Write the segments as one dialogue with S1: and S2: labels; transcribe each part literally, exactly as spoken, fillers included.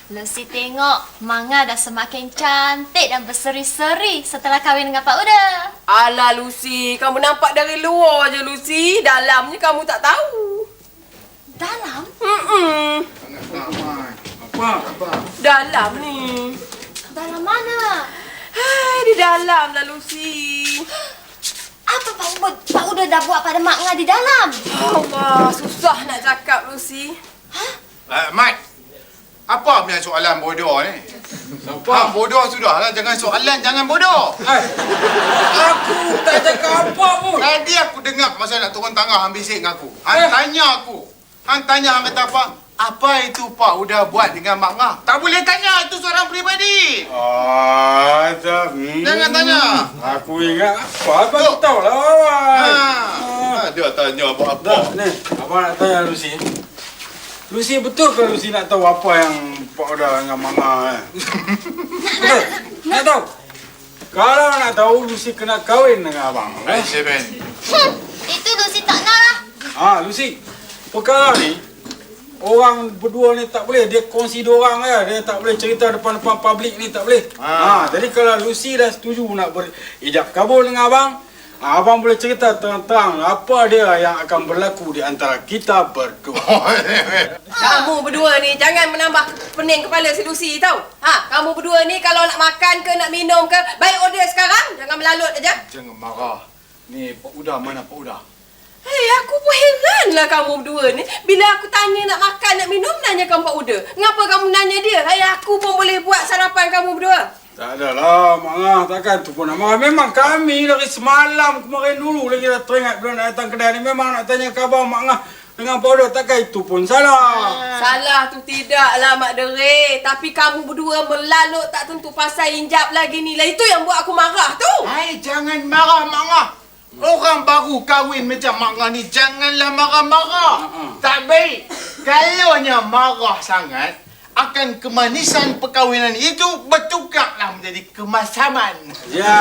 S1: Lucy tengok Manga dah semakin cantik dan berseri-seri setelah kahwin dengan Pak Uda.
S2: Alah Lucy, kamu nampak dari luar je Lucy. Dalamnya kamu tak tahu.
S1: Dalam?
S2: Hmm.
S3: Apa? Apa?
S2: Dalam ni.
S1: Dalam mana?
S2: Hai, di dalam lah Lucy.
S1: Apa Pak Uda, Pak Uda dah buat pada Mak Nga di dalam?
S2: Allah, susah nak cakap Lucy.
S3: Uh, Mat, apa punya soalan bodoh ni? Ha, bodoh sudahlah, jangan soalan, jangan bodoh.
S4: Hai, aku tak cakap apa pun.
S3: Tadi aku dengar masa nak turun tangga hang bisik dengan aku. Hang tanya aku. Hang tanya hang kata apa? Apa itu Pak Uda buat dengan Mak Ngah? Tak boleh tanya, itu seorang peribadi.
S4: Ah, tak. Hmm.
S3: Jangan tanya.
S4: Aku ingat apa? Apa
S3: Loh.
S4: aku tahu lah.
S3: Ha.
S4: Ah.
S3: ha. Dia tanya buat
S4: Dah,
S3: apa?
S4: ni, apa nak tanya Lucy? Lucy, betul ke Lucy nak tahu apa yang Pak Uda dengan Mama eh? Betul? Nak tahu? Kalau nak tahu, Lucy kena kahwin dengan abang.
S3: Eh,
S4: Eh?
S3: Seven.
S1: Hmm, itu Lucy tak nak lah.
S4: Ah, Lucy, perkara ni, orang berdua ni tak boleh. Dia kongsi dua orang ya. Dia tak boleh cerita depan-depan publik ni, tak boleh.
S3: Ah.
S4: Ah, jadi kalau Lucy dah setuju nak berijab kabul dengan abang, ah, abang boleh cerita terang-terang apa dia yang akan berlaku di antara kita berdua.
S2: Kamu berdua ni jangan menambah pening kepala si Lucy tau. Ha, kamu berdua ni kalau nak makan ke nak minum ke, baik order sekarang, jangan melalut aja.
S3: Jangan marah. Ni Pak Uda, mana Pak Uda?
S2: Hei, aku pun heranlah kamu berdua ni. Bila aku tanya nak makan, nak minum, nanyakan Pak Uda. Ngapa kamu nanya dia? Hei, aku pun boleh buat sarapan kamu berdua.
S4: Tak adalah, Mak Ngah, takkan tu pun nak marah. Memang kami dari semalam kemarin dulu lagi dah teringat bila nak datang kedai ni. Memang nak tanya khabar Mak Ngah dengan Pak Uda, takkan itu pun salah.
S2: Salah tu tidaklah Mak Dere. Tapi kamu berdua melalut tak tentu pasal injap lagi ni lah. Itu yang buat aku marah tu.
S3: Hai, jangan marah Mak Ngah. Orang baru kahwin macam Mak Ngah ni, janganlah marah-marah.
S4: Uh-uh.
S3: Tak baik. Kalaunya marah sangat, akan kemanisan perkahwinan itu bertukarlah menjadi kemasaman.
S4: Ya,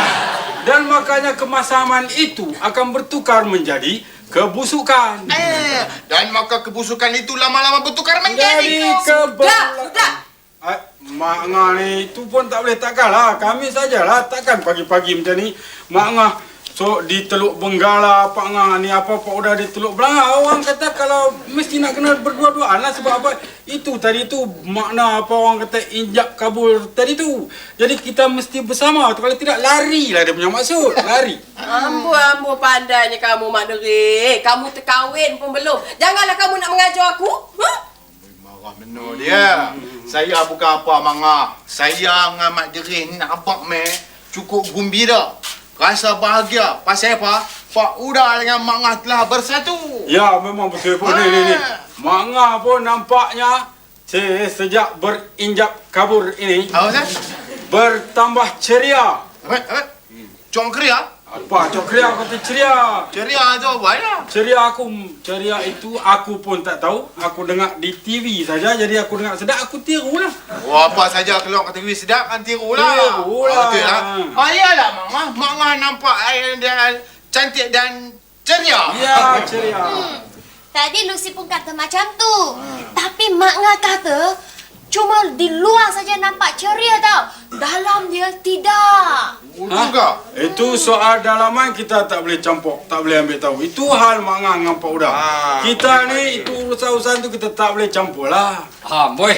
S4: dan makanya kemasaman itu akan bertukar menjadi kebusukan.
S3: Eh, dan maka kebusukan itu lama-lama bertukar menjadi
S4: Jadi
S3: ke...
S2: Sudah, sudah.
S4: Eh, Mak Ngah ni itu pun tak boleh, takkan lah. Kami sajalah, takkan pagi-pagi macam ni Mak Ngah so di Teluk Benggala, Pak Ngah ni apa Pak Uda di Teluk Belanga. Orang kata kalau mesti nak kena berdua-duaan lah. Sebab apa? Itu tadi tu makna apa orang kata injak kabul tadi tu. Jadi kita mesti bersama. Kalau tidak lari lah dia punya maksud. Lari.
S2: Amboi-amboi pandainya kamu Mak Dere. Kamu terkahwin pun belum. Janganlah kamu nak mengajar aku. Ha?
S3: Marah benar dia. Saya bukan apa Mak Ngah. Saya dengan Mak Dere ni nak abang meh cukup gembira. Rasa bahagia. Pasal apa? Pak Uda dengan Mak Ngah telah bersatu.
S4: Ya, memang betul pun. Ni, ni, ni. Mak Ngah pun nampaknya se- sejak berinjak kabur ini
S3: Apa Ustaz?
S4: bertambah ceria.
S3: Apa? Apa? Cong keria?
S4: Apa? Cok ceria kata ceria.
S3: Ceria tu apa ya?
S4: Ceria aku, ceria itu aku pun tak tahu. Aku dengar di T V saja. Jadi aku dengar sedap, aku tirulah.
S3: Oh, apa saja keluar kat T V sedap kan tiru lah.
S4: Tiru lah.
S3: Betul lah. Ah, iyalah Mak Ngah. Mak Ngah nampak eh, dia cantik dan ceria.
S4: Ya, ceria.
S1: Hmm, tadi Lucy pun kata macam tu. Tapi Mak Nga kata cuma di luar saja nampak ceria tau. Dalam dia tidak.
S3: Betul ke?
S4: Itu soal dalaman kita tak boleh campur, tak boleh ambil tahu. Itu hal Mak Ngah dengan Pak Uda.
S3: Ah.
S4: Kita ni, itu urusan-urusan tu kita tak boleh campur lah.
S5: Ha, boy.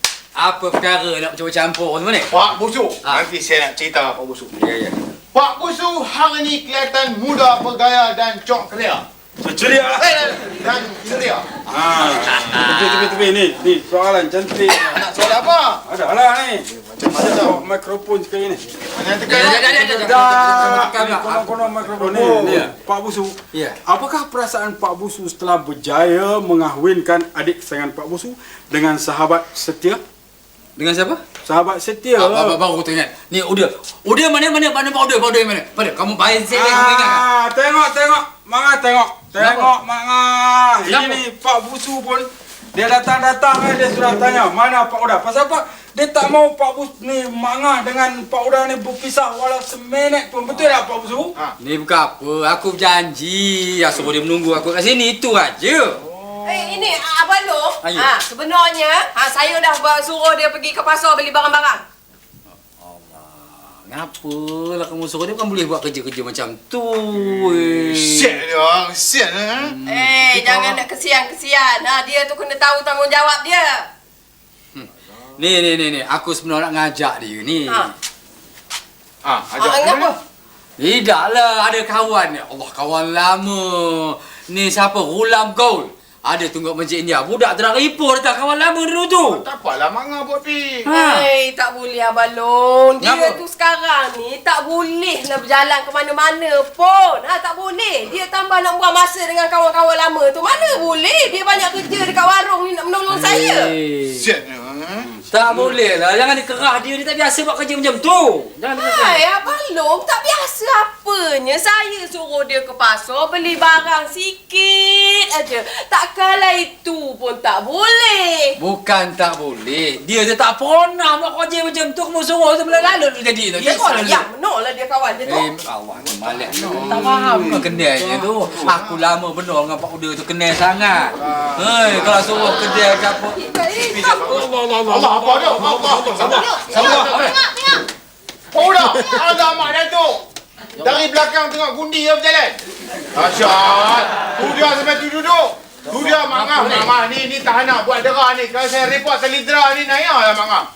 S5: Apa perkara nak campur-campur tu ni?
S3: Pak Busu.
S5: Ah.
S3: Nanti saya nak cerita Pak Busu.
S5: Ya, ya.
S3: Pak Busu hari ni kelihatan muda, bergaya dan cok keria.
S4: Ceria lah.
S3: Eh, dan ceria.
S4: Ha, tepi-tepi ni, ni soalan cantik.
S3: Nak soal apa?
S4: Ada lah ni.
S3: Macam-macam.
S4: Bawa mikrofon sekali ni.
S3: Mana tekan?
S5: Ya, ya, ya, ya, ya.
S4: Dah, ni konon-konon mikrofon ni.
S5: Oh,
S4: Ni,
S5: ya.
S4: Pak Busu.
S5: Ya.
S4: Apakah perasaan Pak Busu setelah berjaya mengahwinkan adik sayangan Pak Busu dengan sahabat setia?
S5: Dengan siapa?
S4: Sahabat setia.
S5: Ah, baru, baru aku teringat. Ni Uda. Uda mana mana mana Pak Uda, Pak Uda mana? Pada kamu baik saya kamu ingat. Tak?
S4: Ah, tengok tengok. Manga tengok. Tengok Manga.
S5: Kenapa?
S4: Ini Pak Busu pun dia datang-datang eh, dia sudah tanya mana Pak Uda. Pasal apa? Dia tak mau Pak Busu ni Manga dengan Pak Uda ni berpisah walau seminit pun. Betul tak Pak Busu?
S3: Ha.
S5: Ni bukan apa. Aku berjanji. Ya, suruh dia menunggu aku kat sini. Itu aja.
S2: Eh, ini Abang Long.
S5: Ayo.
S2: Ha, sebenarnya ha, saya dah buat suruh dia pergi ke pasar beli barang-barang.
S5: Ngapa lah kamu suruh dia, kan boleh buat kerja-kerja macam tu. eh.
S3: Siap dia, siap eh.
S2: Eh, jangan nak kesian-kesian. Ha, dia tu kena tahu tanggungjawab dia.
S5: Ni, ni, ni, ni. Aku sebenarnya nak ngajak dia ni.
S2: Ha.
S3: Ah,
S2: Ah,
S3: ajak
S2: ngapa?
S5: Tidak lah, ada kawan ni. Allah, kawan lama. Ni siapa? Rulam Gold. Ada tunggu Masjid India. Budak terang ipoh dah kawan lama dulu tu.
S3: Tak apalah mangga buat pi.
S5: Ha.
S2: Hai, tak boleh Abang Long. Dia
S5: Ngapa?
S2: tu sekarang ni tak boleh lah berjalan ke mana-mana pun. Ha, tak boleh. Dia tambah nak buang masa dengan kawan-kawan lama tu. Mana boleh? Dia banyak kerja dekat warung ni nak menolong saya.
S5: Eh,
S3: Siap dia. eh.
S5: tak boleh lah. Jangan dikerah dia. Dia tak biasa buat kerja macam tu. Jangan dikerah.
S2: Hai, Abang Long, tak biasa apanya. Saya suruh dia ke pasar beli barang sikit aja. Takkanlah itu pun tak boleh.
S5: Bukan tak boleh. Dia je tak pernah buat kerja macam tu. Kamu suruh tu melalut jadi tu.
S2: Ya,
S5: Tengok lah.
S2: sayang benar lah dia kawan dia tu.
S5: Eh, awak ni malas no. Tak faham ke kenalnya tu. Aku lama benar dengan Pak Uda tu, kenal sangat. Hei, kalau suruh kedai ke apa.
S3: Allah apa dia? Allah. Sabar. Sabar.
S1: Tengok, tengok.
S3: Oh dah, ada mak Datuk. Dari belakang tengok gundi dia berjalan. Asyad. Tu dia sampai tu duduk. Tu dia mangga. Mama ni ni tak nak buat derah ni. Kalau saya report selidra ni naya lah mangga.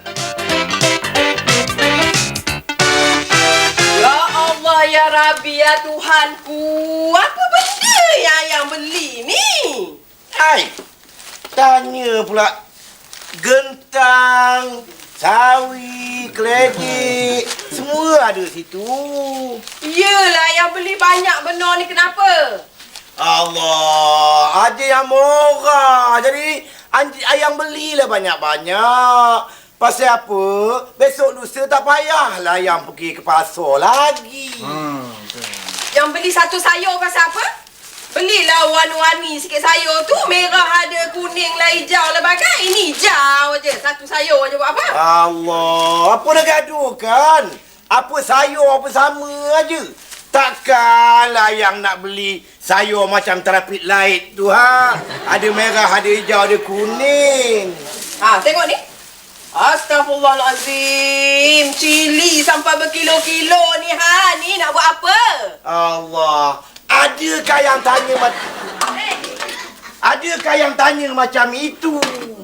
S2: Ya Allah, ya Rabbi, ya Tuhanku. Apa benda yang ayang beli ni?
S6: Hai, tanya pula gentang, sawi, keledek, semua ada situ.
S2: Yelah, yang beli banyak benar ni kenapa?
S6: Allah, ada yang murah. Jadi anj- ayang belilah banyak-banyak. Pasal apa? Besok lusa tak payahlah yang pergi ke pasar lagi.
S2: Yang beli satu sayur pasal apa? Belilah warna-warni sikit sayur tu. Merah ada, kuning lah, hijau lah bagai. Ini hijau aja. Satu sayur aja buat apa?
S6: Allah, apa dah gaduh kan? Apa sayur apa sama aja. Takkanlah yang nak beli sayur macam traffic light tu ha. Ada merah, ada hijau, ada kuning.
S2: Ha, tengok ni. Astaghfirullahalazim. Cili sampai berkilo-kilo ni ha. Ni nak buat apa?
S6: Allah, adakah yang tanya macam Adakah yang tanya macam itu?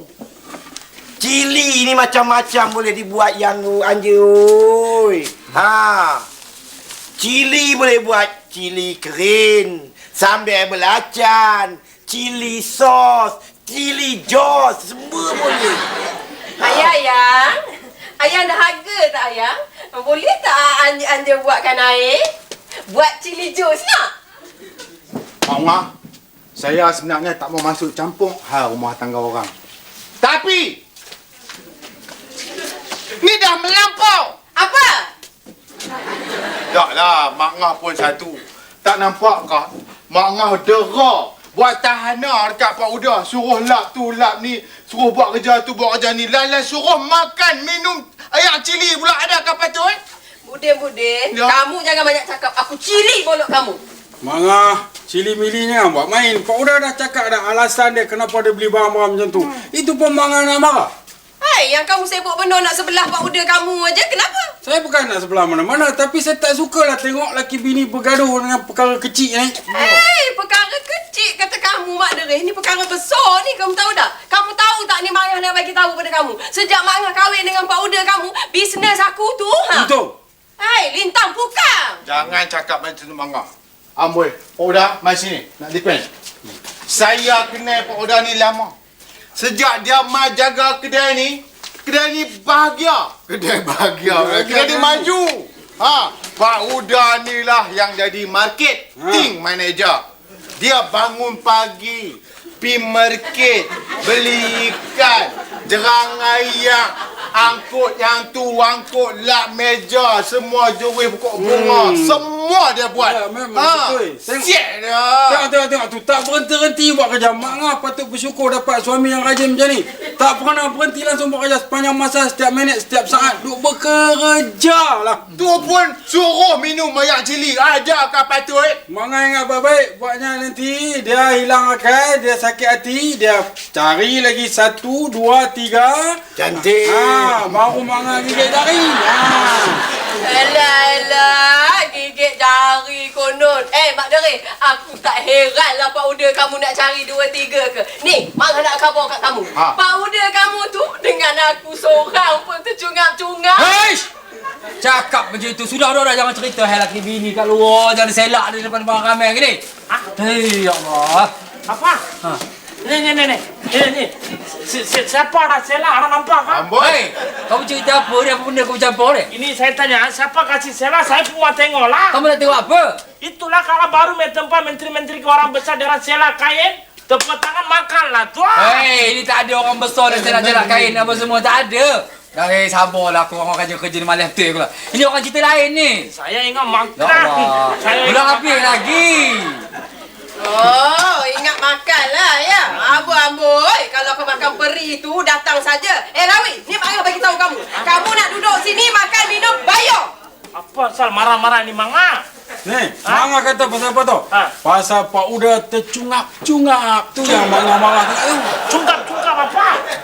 S6: Cili ni macam-macam boleh dibuat yang anja oi. Ha. Cili boleh buat cili kering, sambal belacan, cili sos, cili jos, semua boleh.
S2: Ayah, ayang. Ayang dah harga tak, ayang? Boleh tak anja buatkan air? Buat cili jus nak?
S3: Mama, saya sebenarnya tak mau masuk campur hal rumah tangga orang. Tapi ni dah melampau.
S2: Apa?
S3: Taklah, Mak Ngah pun satu. Tak nampak kah? Mak Ngah dera. Buat tahanan dekat Pak Uda. Suruh lap tu, lap ni. Suruh buat kerja tu, buat kerja ni. Lain-lain suruh makan, minum air cili pula. Ada ke patut? Eh?
S2: Budin-budin,
S3: Ya.
S2: kamu jangan banyak cakap. Aku cili mulut kamu.
S4: Mangah, cili-milinya buat main. Pak Uda dah cakap dah alasan dia kenapa dia beli barang-barang macam tu. Itu pun Mangah nak marah.
S2: Hai, yang kamu sibuk benar nak sebelah Pak Uda kamu aja. Kenapa?
S4: Saya bukan nak sebelah mana-mana, tapi saya tak sukalah tengok laki bini bergaduh dengan perkara kecil ni.
S2: Hei, perkara kecil kata kamu, Mak Derih. Ni perkara besar ni, kamu tahu tak? Kamu tahu tak ni Mak Ngah nak bagi tahu pada kamu? Sejak Mak Ngah kahwin dengan Pak Uda kamu, bisnes aku tu, ha?
S4: Betul.
S2: Hei, lintang pukang.
S3: Jangan cakap macam tu, Mak Ngah. Amboi, Pak Uda, mari sini. Nak depend. Saya kenal Pak Uda ni lama. Sejak dia mai jaga kedai ni, kedai ni bahagia. Kedai bahagia. Kedai ni maju. Ha, Pak Uda ni lah yang jadi marketing manager. Dia bangun pagi, pi market, beli ikan, jerang ayam, angkut yang tu, angkut lap meja, semua juris pokok bunga,
S4: Hmm.
S3: semua dia buat.
S4: Ya, memang betul. Tengok.
S3: Siap dia.
S4: Tengok, tengok, tengok tu. Tak berhenti-henti buat kerja. Mak Ngah patut bersyukur dapat suami yang rajin macam ni. Tak pernah berhenti langsung buat kerja sepanjang masa, setiap minit, setiap saat. Duk bekerja lah.
S3: Tu pun suruh minum mayak cili. Ada kah patut?
S4: Mak Ngah ingat baik-baik. Buatnya nanti dia hilang akal, dia sakit hati, dia cari lagi satu, dua, tiga.
S6: Cantik.
S4: Ha, baru Mak Ngah gigit jari. Ha.
S2: Alah, alah, gigit jari konon. Eh, Mak Dere, aku tak heran lah Pak Uda kamu nak cari dua tiga ke. Ni, Mak nak khabar kat kamu.
S3: Ha.
S2: Pak Uda kamu tu dengan aku seorang pun tercungap-cungap.
S5: Heish! Cakap macam itu. Sudah, dah, dah. Jangan cerita hal laki bini kat luar. Jangan selak di depan orang ramai gini. Hei, ya Allah.
S7: Apa?
S5: Ha.
S7: Ni ni ni ni. Ni ni. Si, si, siapa dah selak orang nampak kan?
S3: Amboi.
S5: Hei, kamu cerita apa ni? Apa benda kamu campur ni?
S7: Ini saya tanya, siapa kasih selak? Saya pun mau tengok lah.
S5: Kamu nak tengok apa?
S7: Itulah kalau baru main tempat menteri-menteri ke orang besar dengan selak kain, tepuk tangan makanlah tu.
S5: Hei, ini tak ada orang besar dan selak-selak kain apa semua. Tak ada. Dari sabarlah aku orang kerja-kerja ni malam tu aku lah. Ini orang cerita lain ni.
S7: Saya ingat makan.
S5: Ya Allah.
S7: Saya
S5: Belum habis lagi.
S2: Oh, ingat makan lah ya. Amboi-amboi, kalau kau makan peri tu datang saja. Eh Rawi, ni Mak Ngah bagi tahu kamu. Kamu nak duduk sini makan minum bayar.
S7: Apa asal marah-marah ni Manga?
S4: Ni, Mak Ngah kata pasal apa tu?
S7: Ha.
S4: Pasal Pak Uda tercungap-cungap. Tu yang Mak Ngah marah tu.
S7: Cungkap-cungkap apa?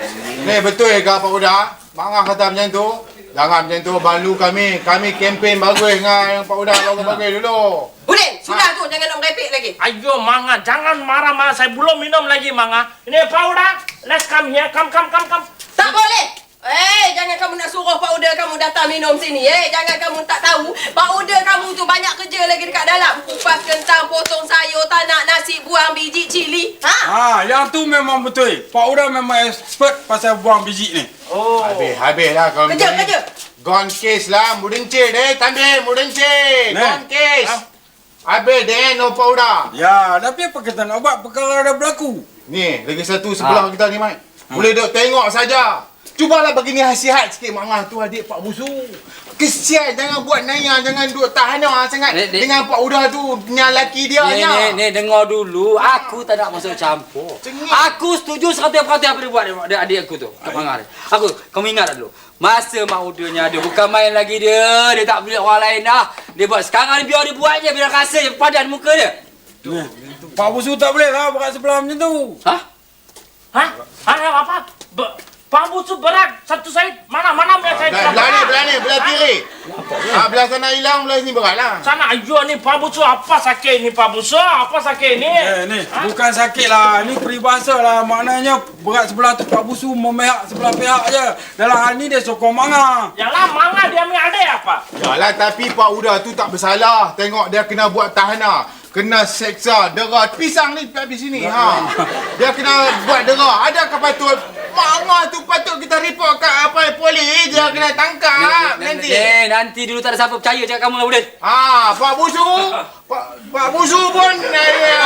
S3: Ni betul ke Pak Uda? Mak Ngah kata macam tu. Jangan macam tu, balu kami. Kami kempen bagus dengan Pak Uda bagus-bagus dulu.
S2: Udin, sudah tu jangan nak merepek lagi.
S7: Ayo Manga, jangan marah-marah. Saya belum minum lagi Manga. Ini Pak Uda, let's come here. Come, come, come, come.
S2: Tak boleh. Eh, jangan kamu nak suruh Pak Uda kamu datang minum sini. Eh, jangan kamu tak tahu. Pak Uda kamu tu banyak kerja lagi dekat dalam. Kupas kentang, potong sayur, tanak nasi, buang biji cili. Ha?
S4: Ha, yang tu memang betul. Pak Uda memang expert pasal buang biji ni.
S7: Oh.
S3: Habis, habis lah kau
S2: Kerja,
S3: macam ni.
S2: kerja.
S3: Gone case lah, mudencik deh. Tambil, mudencik.
S4: Ni.
S3: Gone case. Habis deh, no Pak Uda.
S4: Ya, tapi apa kita nak buat? Perkara dah berlaku.
S3: Ni, lagi satu sebelah kita ni, Mat. Boleh duk tengok saja. Cubalah bagi ni nasihat sikit Mak Ngah tu adik Pak Busu. Kesian, jangan buat naya, jangan duk tahana sangat
S5: Dek, dek.
S3: dengan Pak Uda tu, punya laki dia
S5: Ni,
S3: nya.
S5: ni, ni, dengar dulu. Aku tak nak masuk campur.
S3: Cengik.
S5: Aku setuju seratus peratus apa dia buat dia, adik aku tu. Kak Mangar ni. Aku, kamu ingat tak dulu? Masa mak udahnya ada, bukan main lagi dia. Dia tak boleh orang lain dah. Dia buat sekarang ni biar dia buat je. Biar rasa je padan muka dia.
S4: Ni, Pak Busu tak boleh lah berat sebelah macam tu.
S5: Hah?
S7: Hah? Hah? Apa? Be Pak Busu berat. Satu saya. Mana? Mana yang saya
S3: Belah, belah ni, belah ni, belah kiri. Ah, belah sana hilang, belah sini berat lah.
S7: Sana, ayo ni Pak Busu. Apa sakit ni Pak Busu? Apa sakit ni?
S4: Eh, ni, bukan sakit lah. Ni peribahasa lah. Maknanya berat sebelah tu Pak Busu memihak sebelah pihak je. Dalam hal ni dia sokong Mak Ngah.
S7: Yalah, Manga dia ambil adik apa?
S3: Yalah, tapi Pak Uda tu tak bersalah. Tengok dia kena buat tahana. Kena seksa, dera. Pisang ni habis sini. Ha. Dia kena buat dera. Adakah patut? Mak Ngah tu patut kita report kat apa polis. Dia kena tangkap nanti.
S5: Eh, nanti dulu tak ada siapa percaya cakap kamu lah Udin.
S3: Ah, Pak Busu. Pak, Pak Busu pun eh,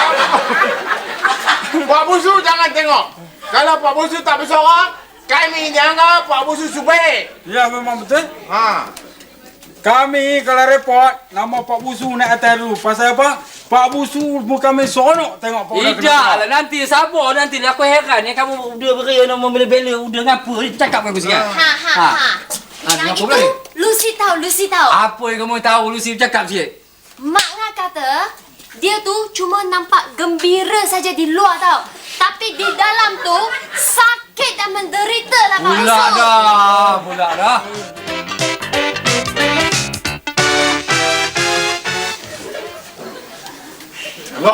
S3: Pak Busu jangan tengok. Kalau Pak Busu tak bersorak, kami jangan Pak Busu subaik.
S4: Ya, memang betul.
S3: Ha.
S4: Kami kalau report, nama Pak Busu naik atas dulu. Pasal apa? Pak Busu bukan main seronok tengok Pak Uda kena
S5: Tidak
S4: tangkap.
S5: lah, nanti sabar nanti. Aku heran ni kamu udah beria nak membela-bela udah ngapa ni cakap dengan aku sikit.
S1: Ha ha
S5: Ha.
S1: ha.
S5: Ha,
S1: Yang
S5: kenapa
S1: itu,
S5: pula ni?
S1: Lucy tahu, Lucy tahu.
S5: Apa yang kamu tahu Lucy cakap sikit?
S1: Mak Ngah kata, dia tu cuma nampak gembira saja di luar tau. Tapi di dalam tu, sakit dan menderita lah Pak
S5: Pula
S1: Busu.
S5: dah, pula dah.
S3: Allah.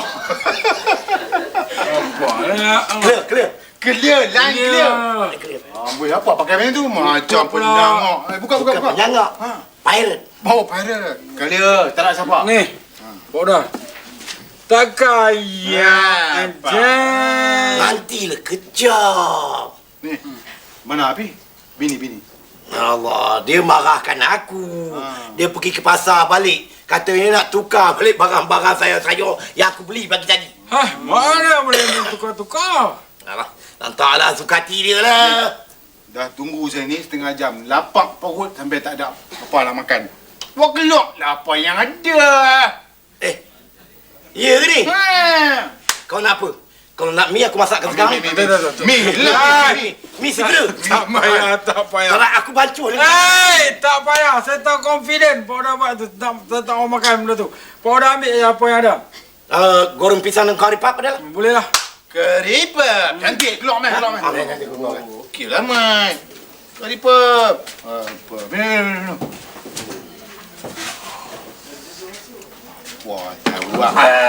S4: Apa ya?
S6: Clear, clear.
S3: Clear, line clear.
S6: Clear.
S3: Ah, boleh apa pakai macam tu? Macam
S4: pula.
S3: penyangak. Eh, buka, buka,
S6: Bukan
S3: buka.
S6: penyangak.
S3: Ha.
S6: Pirate.
S3: Oh, pirate. Clear, tak nak siapa.
S4: Ni, Pak Uda. Tak kaya
S3: Ya,
S4: aja.
S6: Nantilah kejap.
S3: Ni, mana Api? Bini, bini.
S6: Allah, dia marahkan aku.
S3: Ha.
S6: Dia pergi ke pasar balik. Katanya nak tukar balik barang-barang saya sayur yang aku beli pagi tadi.
S4: Hah, mana boleh main tukar-tukar?
S6: Alah, nantaklah suka hati dia lah.
S3: Dah tunggu saya ni setengah jam. Lapak perut sampai tak ada apa nak makan. Buat gelok lah apa yang ada.
S6: Eh, ya ke ni?
S3: Ha.
S6: Kau nak apa? Kalau nak mi aku masakkan sekarang.
S3: Mi, mi,
S4: Tak, tak, tak, tak.
S3: mi, lah.
S6: Mi, mi segera.
S4: Tak payah, tak payah.
S6: Kalau aku bancuh ni.
S4: Hei, tak payah. Saya tak confident. Pak Uda buat tu. Tak, saya tak mau makan benda tu. Pak Uda ambil je apa yang ada.
S6: Uh, goreng pisang dan kari pap adalah.
S4: Boleh lah.
S3: Keripap. Cantik keluar mai, keluar mai.
S6: Ah, nanti aku keluar.
S3: Okey lah mai. Keripap. Apa? Minum, minum, minum. Wah, tahu lah.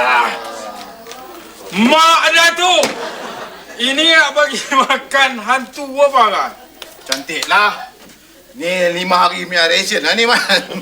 S4: Mak dah tu. Ini nak bagi makan hantu apa kan?
S3: Cantik lah. Ni lima hari punya ration lah ni, man.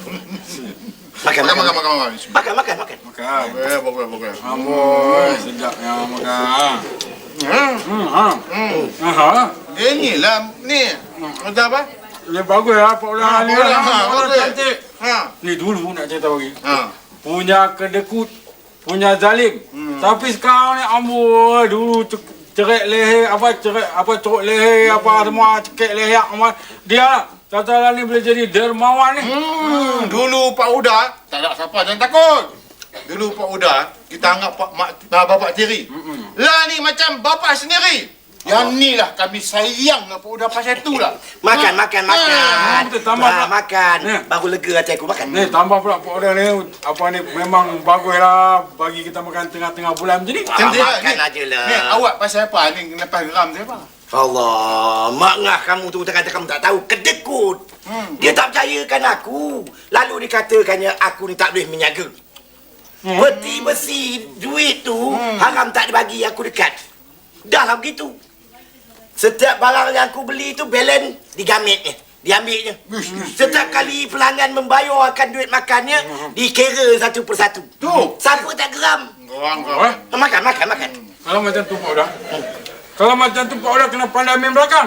S6: Makan,
S3: Makan,
S6: makan,
S3: makan, makan, makan.
S6: makan, makan, makan.
S4: Makan.
S3: Eh, bagus, bagus.
S4: Amboi, sedapnya makan.
S3: Hmm.
S4: Hmm, ha.
S3: Hmm.
S4: Aha.
S3: Dia ni lah, ni. Macam apa?
S4: Ini bagus lah Pak Uda.
S3: Ha,
S4: Ni
S3: boleh,
S4: lah.
S3: ha,
S4: Pak Uda
S3: bagus.
S4: cantik.
S3: Ha.
S4: Ni dulu nak cerita bagi.
S3: Ha.
S4: Punya kedekut, punya zalim. Hmm. Tapi sekarang ni amboi, dulu cek- cerik leher, apa cerik, apa ceruk leher, apa semua cekik leher. Apa. Dia lah. Tata ni boleh jadi dermawan ni.
S3: Hmm. Dulu Pak Uda, tak ada siapa jangan takut. Dulu Pak Uda, kita anggap Pak Mak bapak tiri. Mm-mm. Lah ni macam bapak sendiri. Yang ni lah kami sayang dengan Pak Uda pasal tu lah.
S6: Makan,
S3: Ha.
S6: makan, makan.
S4: Ha, betul, tambah
S6: Ah,
S4: pula.
S6: makan.
S4: Ya.
S6: Baru lega hati aku makan.
S4: Ni tambah pula Pak Uda ni, apa ni memang bagus lah bagi kita makan tengah-tengah bulan macam ni.
S6: Ah,
S3: Cantik lah.
S6: makan
S3: Ni-
S6: aja lah.
S3: Ni awak pasal apa? Ni lepas geram saya apa?
S6: Allah, mak ngah kamu tu kata kamu tak tahu, kedekut.
S3: Hmm.
S6: Dia tak percayakan aku. Lalu dikatakannya aku ni tak boleh menyaga.
S4: Hmm.
S6: Peti besi duit tu haram tak dibagi aku dekat. Dah lah begitu. Setiap barang yang aku beli tu balance digamitnya, diambilnya. Setiap kali pelanggan membayarkan duit makannya dikira satu persatu.
S3: Tu.
S6: Siapa tak geram?
S3: Geram,
S4: Oh,
S3: geram.
S6: Makan, makan, makan.
S4: kalau macam tu Pak Uda. Kalau macam tu Pak Uda kena pandai main belakang.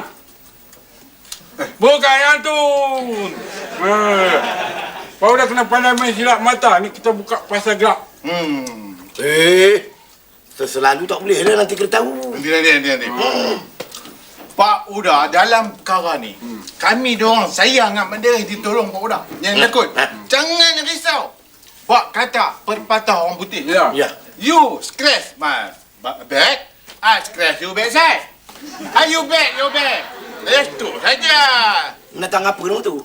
S4: Bukan yang tu. Eh. Pak Uda kena pandai main silap mata. Ni kita buka pasal gerak.
S3: Hmm.
S6: Eh, selalu tak boleh lah nanti kita tahu.
S3: Nanti, nanti, nanti. nanti. Pak Uda dalam perkara ni, kami diorang sayang dengan benda yang ditolong Pak Uda. Jangan takut. Jangan risau. Pak kata perpatah orang putih.
S4: Ya.
S6: Ya.
S3: You scratch my ba- back, I scratch you backside. Are you back, you back. Itu saja.
S6: Menatang apa nama tu?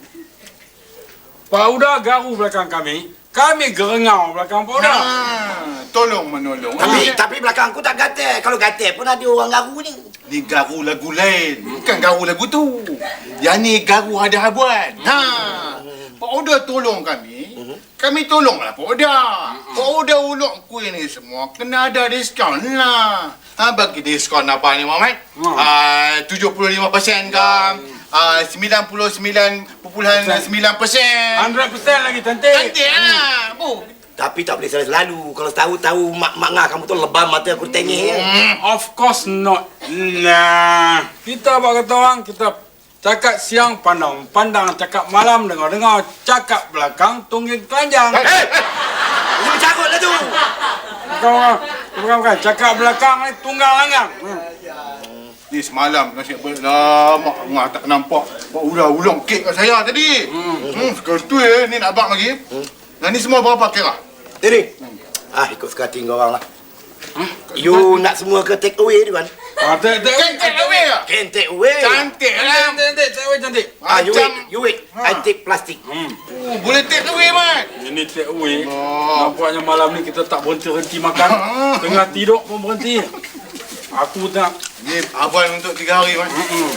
S4: Pak Uda garu belakang kami. Kami gerengau belakang Pak Uda.
S3: Ha, tolong menolong.
S6: Tapi
S3: Ni,
S6: tapi belakang aku tak gatal. Kalau gatal pun ada orang garu ni.
S3: ni garu lagu lain. Bukan garu lagu tu. Yang ni garu ada habuan. Ha. Pak Uda tolong kami. Kami tolonglah Pak Uda. Pak Uda ulok kuih ni semua kena ada diskaun lah. Ha, bagi diskaun apa ni Muhammad?
S4: Hmm.
S3: Ah, tujuh puluh lima peratus ke? Ah, sembilan puluh sembilan perpuluhan sembilan peratus.
S4: one hundred percent lagi cantik.
S3: Cantik lah. Bu.
S6: Tapi tak boleh selalu. Kalau tahu-tahu mak mak ngah kamu tu lebam mata aku tengih.
S4: Of course not. Nah, kita buat kata orang, kita cakap siang pandang, pandang cakap malam dengar-dengar, cakap belakang tungging keranjang.
S6: Eh! Ini bercarut lah tu.
S4: Bukan, bukan, bukan, cakap belakang ni tunggang langgang. Hmm.
S3: Ni semalam nasib baik lama ngah tak nampak Pak Uda ulong kek kat saya tadi. Hmm. Hmm, sekarang tu eh ni nak abang lagi. Hmm. Dan ni semua berapa kira?
S6: Ini. Ah, ikut suka hati kau orang lah. You nak semua ke take away tu kan?
S4: Ah, tak, tak,
S3: Kan take away ke?
S6: Can take away.
S3: Cantik lah.
S4: Cantik, cantik, cantik.
S6: Ah, you
S3: Macam
S6: wait, you wait. I take plastik.
S4: Hmm.
S3: oh, boleh take away man.
S4: Ini take away.
S3: Oh.
S4: Nampaknya malam ni kita tak berhenti-henti makan. Tengah tidur pun berhenti. Aku tak.
S3: Ni abang untuk tiga hari man.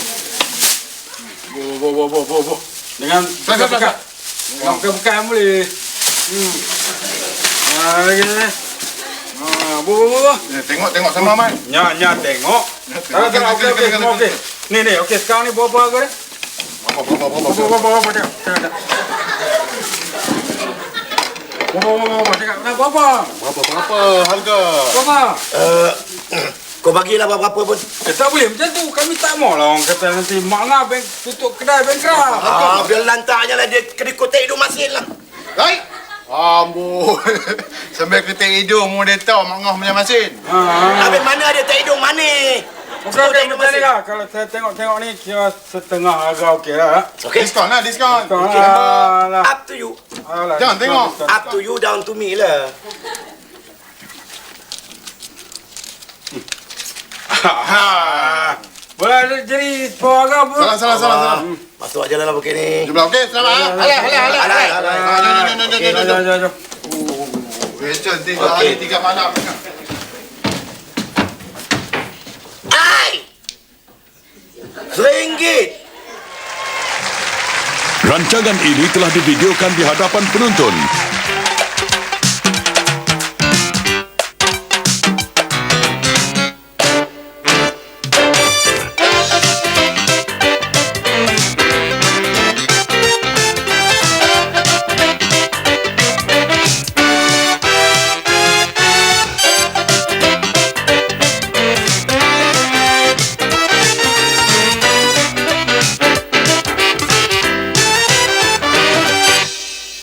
S4: Bo, bo, bo, bo, bo, bo. Dengan pekat-pekat. Dengan pekat-pekat boleh. Hmm. Ah, lagi ni. Ah, bo, bo, bo, bo.
S3: Eh, tengok tengok sama man.
S4: Nya, nya tengok. Tak, tak, okey, okey, semua okey. Ni, ni, okey. Sekarang ni berapa harga ni?
S3: Berapa berapa berapa
S4: Berapa, berapa, berapa, tengok. Tengok, tengok. Berapa, berapa, berapa, tengok. Nah, berapa?
S3: berapa berapa harga?
S4: Berapa?
S6: Uh, kau bagilah berapa pun.
S4: Eh, tak boleh macam tu. Kami tak mau lah orang kata nanti mak ngah bank tutup kedai bankrupt.
S6: Ah, biar lantaknya lah dia kena kotek hidung masin lah.
S3: Right? Amboi. Sampai ketik hidung mu dia tahu mak ngah punya masin.
S4: Ha.
S6: Habis mana ada tak hidung mana?
S4: Okey, okey, macam ni lah. Kalau saya tengok-tengok ni, kira setengah harga okey lah.
S6: Okey.
S3: Diskon lah, diskon.
S4: Okay.
S6: Okay.
S4: Alah.
S6: Up to you.
S4: Alah,
S3: Jangan
S4: diskon,
S3: tengok.
S4: diskon,
S6: Up to you, down to me lah.
S3: Ha.
S4: Boleh ada jadi sepuluh harga pun.
S3: Salah, salah, salah, salah.
S6: Masuk aja lah bukit ni.
S3: Jumlah okey, selamat ah.
S5: Alah, alah, alah.
S6: Alah, alah.
S3: Ah, jom, jom, jom, jom,
S4: Okey,
S3: jom,
S4: jom,
S3: jom.
S4: jom, jom.
S3: Rachel, tiga
S6: Okey.
S3: hari, tiga malam.
S6: Ai! Seringgit.
S8: Rancangan ini telah divideokan di hadapan penonton